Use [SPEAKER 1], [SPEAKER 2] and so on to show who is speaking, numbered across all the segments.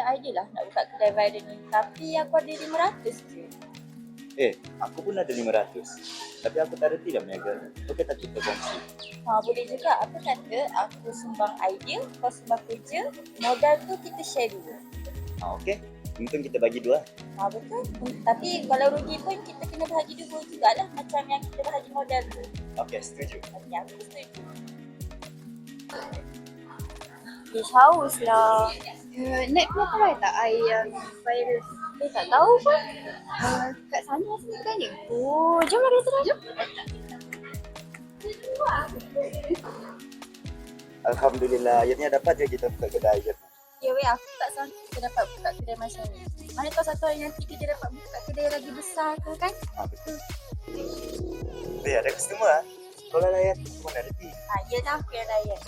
[SPEAKER 1] idea lah nak buka kedai viral ni. Tapi aku ada 500 je.
[SPEAKER 2] Aku pun ada 500. Tapi aku tak reti dah meniaga. Okey tak kita kongsi?
[SPEAKER 1] Boleh juga. Apa kata aku sumbang idea, kau sumbang kerja, modal tu kita share dulu.
[SPEAKER 2] Okey. Untung kita bagi dua.
[SPEAKER 1] Betul. Tapi kalau rugi pun kita kena bahagi dua jugalah macam yang kita bahagi modal tu.
[SPEAKER 2] Okey, setuju.
[SPEAKER 1] Okey, aku setuju. Haus lah.
[SPEAKER 3] Nak try tak air virus?
[SPEAKER 1] Tak tahu pun.
[SPEAKER 3] Kat sana sini kan ni.
[SPEAKER 1] Jom lah kita jom.
[SPEAKER 2] Alhamdulillah, akhirnya dapat je kita buka kedai je.
[SPEAKER 1] Ya weh, aku tak sangka kita dapat buka kedai macam ni. Mana tahu satu hari nanti kita dapat buka kedai lagi besar ke kan?
[SPEAKER 2] Betul. Ada customer Kalau layan, aku mana reti.
[SPEAKER 1] Ya dah aku yang layan.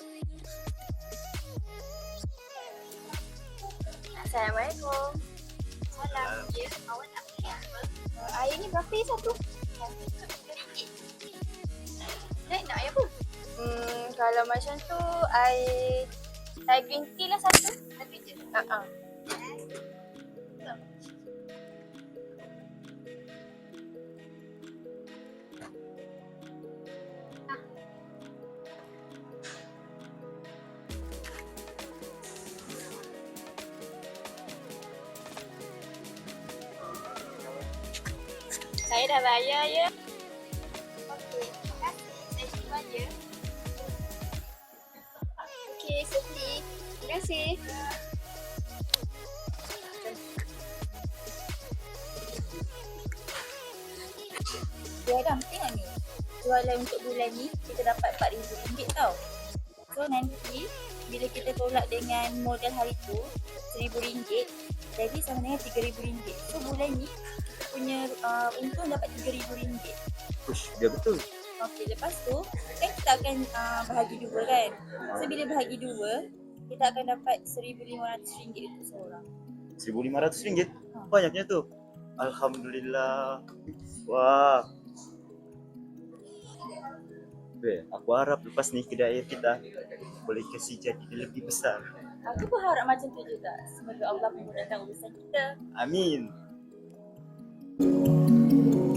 [SPEAKER 1] Assalamualaikum.
[SPEAKER 3] Salam. Ya, awak nak beli apa?
[SPEAKER 1] Air ni berapa ya satu?
[SPEAKER 3] Nak air apa?
[SPEAKER 1] Kalau macam tu air green tea lah satu.
[SPEAKER 3] Satu je.
[SPEAKER 1] Saya dah bayar ya.
[SPEAKER 3] Okey, terima kasih. Saya simpan je. Okey, Siti. Terima kasih.
[SPEAKER 1] Adam, tengok ni. Jualan untuk bulan ni kita dapat RM4,000 tau. So nanti bila kita tolak dengan modal hari tu RM1,000, jadi sama dengan RM3,000. So bulan ni kita punya untung dapat RM3,000.
[SPEAKER 2] Push, dia betul.
[SPEAKER 1] Okey, lepas tu kan kita akan bahagi dua kan. So bila bahagi dua, kita akan dapat RM1,500 untuk seorang.
[SPEAKER 2] RM1,500? Banyaknya tu. Alhamdulillah. Wah. Aku harap lepas ni kedai air kita boleh kasih jadi lebih besar.
[SPEAKER 1] Aku pun harap macam tu juga. Semoga Allah memudahkan urusan kita.
[SPEAKER 2] Amin.